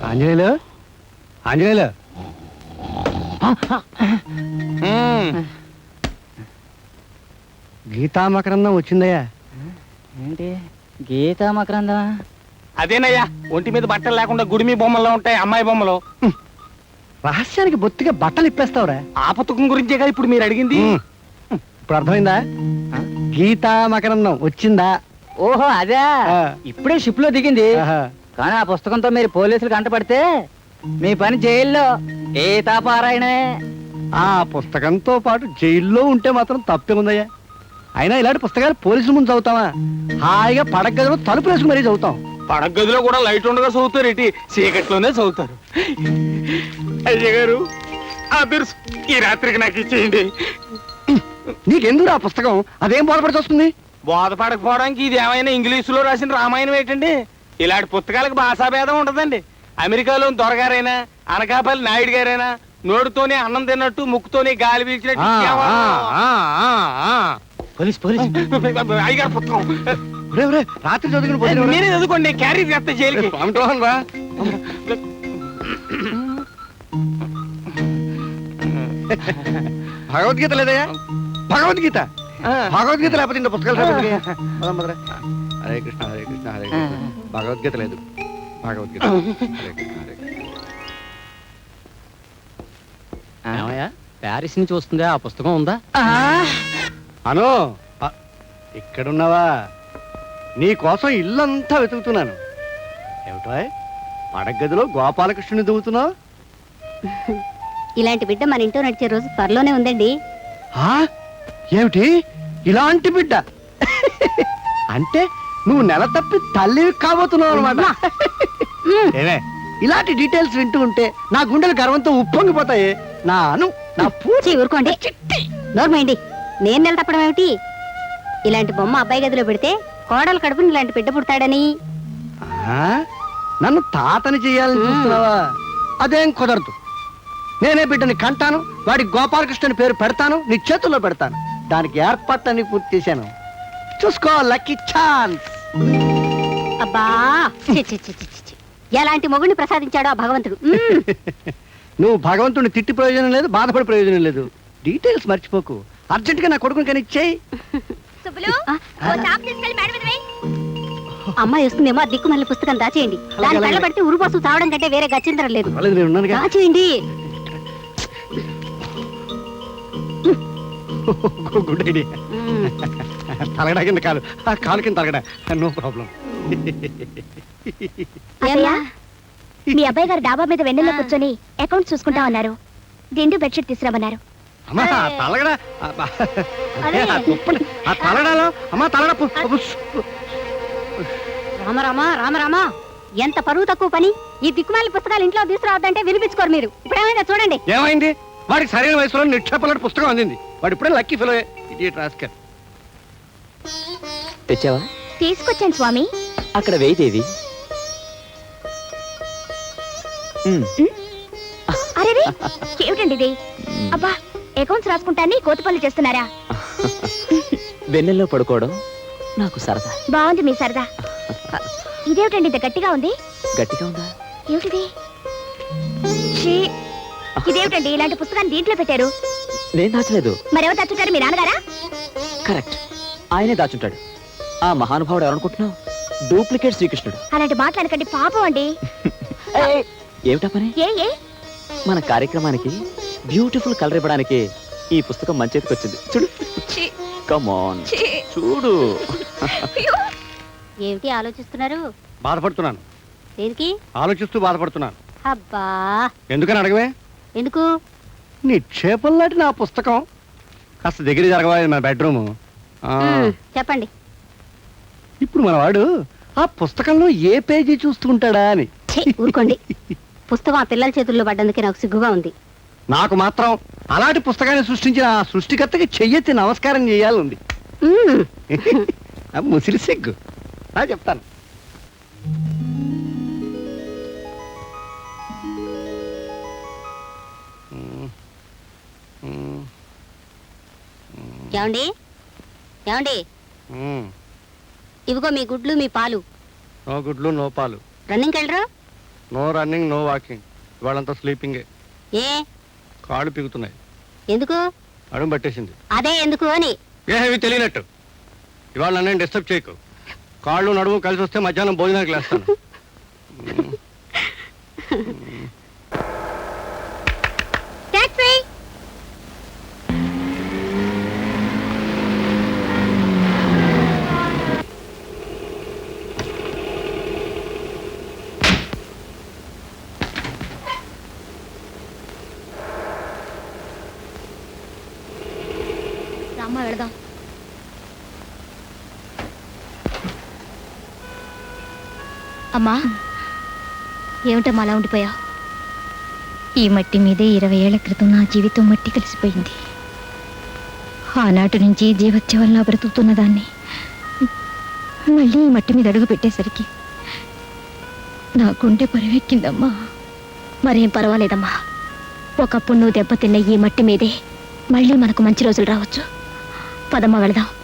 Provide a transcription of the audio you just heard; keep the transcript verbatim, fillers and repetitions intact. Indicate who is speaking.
Speaker 1: ఆంజనేయులు ఆంజనేయులు గీతా మకరందం వచ్చిందయ్యా.
Speaker 2: ఏంటి గీతా మకరందమా?
Speaker 3: అదేనయ్యా, ఒంటి మీద బట్టలు లేకుండా గుడిమి బొమ్మల్లో ఉంటాయి అమ్మాయి బొమ్మలు.
Speaker 1: రహస్యానికి బొత్తిగా బట్టలు ఇప్పేస్తావురా.
Speaker 3: ఆ పుస్తకం గురించే కదా ఇప్పుడు మీరు అడిగింది.
Speaker 1: ఇప్పుడు అర్థమైందా? గీతా మకరందం వచ్చిందా?
Speaker 2: ఓహో అదే, ఇప్పుడే షిప్ లో దిగింది. కానీ ఆ పుస్తకంతో మీరు పోలీసులు కంటపడితే మీ పని జైల్లో గీతా పారాయణే.
Speaker 1: ఆ పుస్తకంతో పాటు జైల్లో ఉంటే మాత్రం తప్పే ఉందయ్యా. అయినా ఇలాంటి పుస్తకాలు పోలీసుల ముందు చదువుతావా? హాయిగా పడక గదిలో తలుపు వేసుకుని మరీ చదువుతాం.
Speaker 3: పడక గదిలో కూడా లైట్ ఉండగా చదువుతారు, ఇటు చీకట్లోనే చదువుతారు. అయ్య గారు, ఆ బిర్స్ ఈ రాత్రికి నాకు ఇచ్చేయండి.
Speaker 1: నీకెందుకు ఆ పుస్తకం? అదేం బోధపడి వస్తుంది?
Speaker 3: బోధపడకపోవడానికి ఇది ఏమైనా ఇంగ్లీషులో రాసిన రామాయణం ఏంటండి? ఇలాంటి పుస్తకాలకు భాషాభేదం ఉండదండి. అమెరికాలో దొరగారైనా అనకాపల్లి నాయుడు గారైనా నోటితోనే అన్నం తిన్నట్టు ముక్కుతోనే గాలి పీల్చినట్టు
Speaker 2: పోలీస్ పోలీస్
Speaker 3: అయ్యగారు పుస్తకం
Speaker 1: రాత్రి చదువుకుని
Speaker 3: నేనే చదువుకోండి, క్యారీ చేస్తే జైలుకి.
Speaker 1: రా భగవద్గీత లేదయ్యా? భగవద్గీత భగవద్గీత లేకపోతే ఇంత పుస్తకాలు హరే కృష్ణ హరే కృష్ణ హరే కృష్ణ. భగవద్గీత లేదు, భగవద్గీత. హరే కృష్ణ హరే కృష్ణ.
Speaker 2: ప్యారిస్ నుంచి వస్తుందా? ఆ పుస్తకం ఉందా?
Speaker 1: అను ఇక్కడున్నావా? నీ కోసం ఇల్లంతా వెతుకుతున్నాను. ఏమిటో పడగదిలో గోపాలకృష్ణుని దువ్వుతున్నావు?
Speaker 4: ఇలాంటి బిడ్డ మన ఇంట్లో నడిచే రోజు త్వరలోనే ఉందండి.
Speaker 1: ఏమిటి ఇలాంటి బిడ్డ? అంటే నువ్వు నెల తప్పి తల్లి కాబోతున్నావు అనమాట. ఏమే ఇలాంటి డీటెయిల్స్ వింటూ ఉంటే నా గుండెలు గర్వంతో ఉప్పొంగిపోతాయి. నా అను నా
Speaker 4: పూచి ఊరుకోండి, నోర్మైండి. నేను నెల తప్పడం ఏమిటి? ఇలాంటి బొమ్మ అబ్బాయి గదిలో పెడితే కోడలు కడుపుని ఇలాంటి బిడ్డ పుడతాడని.
Speaker 1: నన్ను తాతని చెయ్యాలని చూస్తున్నావా? అదేం కుదరదు. నేనే బిడ్డని కంటాను, వాడి గోపాలకృష్ణ పేరు పెడతాను, నీ చేతుల్లో పెడతాను. దానికి ఏర్పాట్లన్నీ పూర్తి చేశాను. చూసుకో, లక్కీ ఛాన్స్.
Speaker 4: అబ్బా, ఎలాంటి మొగుడిని ప్రసాదించాడో ఆ భగవంతుడు.
Speaker 1: నువ్వు భగవంతుడిని తిట్టి ప్రయోజనం లేదు, బాధపడే ప్రయోజనం లేదు. డీటెయిల్స్ మర్చిపోకు. అర్జెంట్ గా నా కొడుకుని కానీ ఇచ్చేయి.
Speaker 4: అమ్మాయి వస్తుందేమో, దిక్కు మళ్ళీ పుస్తకం దాచేయండి. దాని కళ్ళ పడితే ఉరుపోసు చావడం కంటే వేరే గచ్చిందరం లేదు. దాచేయండి.
Speaker 1: Good idea. తలగడా కింద కాలు, కాలు కింద తలగడా, నో ప్రాబ్లం.
Speaker 4: మీ అబ్బాయి గారు డాబా మీద వెన్నెల్లో కూర్చొని అకౌంట్ చూసుకుంటా ఉన్నారు. దిండు బెడ్షీట్ తీసుకురామన్నారు.
Speaker 1: అమ్మా తలగడా, ఆ తలగడాలో అమ్మా తలగడ.
Speaker 4: రామరామా రామరామా, ఎంత పరువు తక్కువ పని. ఈ దిక్కుమాలి పుస్తకాలు ఇంట్లో తీసుకురావద్దంటే వినిపించుకోరు మీరు. ఇప్పుడు ఏమైనా చూడండి.
Speaker 1: ఏమైంది? వాడికి సరైన వయసులో నిక్షేపలాంటి పుస్తకం అందింది. వాడు ఇప్పుడే లక్కీ ఫెలో. Idiot rascal.
Speaker 2: తెచ్చావా?
Speaker 4: తీసుకొచ్చాను స్వామి.
Speaker 2: అక్కడ వేయిదేవి.
Speaker 4: అరే ఏమిటండి ఇది? అబ్బా, అకౌంట్స్ రాసుకుంటాన్ని కోతి పనులు చేస్తున్నారా?
Speaker 2: వెన్నెల్లో పడుకోవడం నాకు సరదా.
Speaker 4: బాగుంది మీ సరదా. ఇదేమిటండి ఇంత గట్టిగా ఉంది?
Speaker 2: గట్టిగా ఉందా?
Speaker 4: ఏమిటిది? ఇదేమిటండి ఇలాంటి పుస్తకాన్ని దీంట్లో పెట్టారు?
Speaker 2: నేను దాచలేదు.
Speaker 4: మరెవరు దాచుంటారు? మీ నాన్నగారా?
Speaker 2: కరెక్ట్, ఆయనే దాచుంటాడు. ఆ మహానుభావుడు ఎవరనుకుంటున్నావు? డూప్లికేట్ శ్రీకృష్ణుడు.
Speaker 4: అలాంటి మాట్లాడకండి, పాపం అండి.
Speaker 2: ఏమిటా పని?
Speaker 4: ఏ ఏ
Speaker 2: మన కార్యక్రమానికి బ్యూటిఫుల్ కలర్ ఇవ్వడానికి ఈ పుస్తకం మన చేతికి వచ్చింది. చూడు, కమ్ ఆన్ చూడు.
Speaker 4: ఏమిటి ఆలోచిస్తున్నారు?
Speaker 1: బాధపడుతున్నాను.
Speaker 4: దేనికి
Speaker 1: ఆలోచిస్తూ బాధపడుతున్నాను.
Speaker 4: అబ్బా,
Speaker 1: ఎందుకని అడగవే?
Speaker 4: ఎందుకు?
Speaker 1: నిక్షేపంలాంటి నా పుస్తకం కాస్త దగ్గర జరగవా? మన బెడ్రూమ్.
Speaker 4: చెప్పండి.
Speaker 1: ఇప్పుడు మన వాడు ఆ పుస్తకంలో ఏ పేజీ చూస్తుంటాడా అని.
Speaker 4: ఊరుకోండి. పుస్తకం ఆ పిల్లల చేతుల్లో పడ్డందుకే నాకు సిగ్గుగా ఉంది.
Speaker 1: నాకు మాత్రం అలాంటి పుస్తకాన్ని సృష్టించిన ఆ సృష్టికర్తకి చెయ్యెత్తి నమస్కారం చేయాలంది. ముసిరి సిగ్గు. నా చెప్తాను.
Speaker 4: ఏమండి ఏమండి ఇవిగో మీ గుడ్లు, మీ పాలు.
Speaker 1: నో గుడ్లు నో పాలు.
Speaker 4: రన్నింగ్ వెళ్ళరా?
Speaker 1: నో రన్నింగ్ నో వాకింగ్, ఇవాళంతా స్లీపింగే.
Speaker 4: ఏ
Speaker 1: కాళ్ళు పిగుతున్నాయి,
Speaker 4: ఎందుకు?
Speaker 1: అడుగు పట్టేసింది.
Speaker 4: అదే ఎందుకు అని.
Speaker 1: ఏవి తెలియనట్టు ఇవాళ నన్ను డిస్టర్బ్ చేయకు. కాళ్ళు నడుము కలిసి వస్తే మధ్యాహ్నం భోజనానికి లేస్తాను.
Speaker 4: టాక్సీ. రామ్మ వెళదాం. అమ్మా, ఏమిటమ్మా అలా ఉండిపోయావు?
Speaker 5: ఈ మట్టి మీదే ఇరవై ఏళ్ల క్రితం నా జీవితం మట్టి కలిసిపోయింది. ఆనాటి నుంచి జీవత్యవల్లా బ్రతుకుతున్న దాన్ని మళ్ళీ ఈ మట్టి మీద అడుగు పెట్టేసరికి నా గుండె పరివెక్కిందమ్మా.
Speaker 4: మరేం పర్వాలేదమ్మా, ఒకప్పుడు నువ్వు దెబ్బతిన్న ఈ మట్టి మీదే మళ్ళీ మనకు మంచి రోజులు రావచ్చు. పదమ్మా వెళదాం.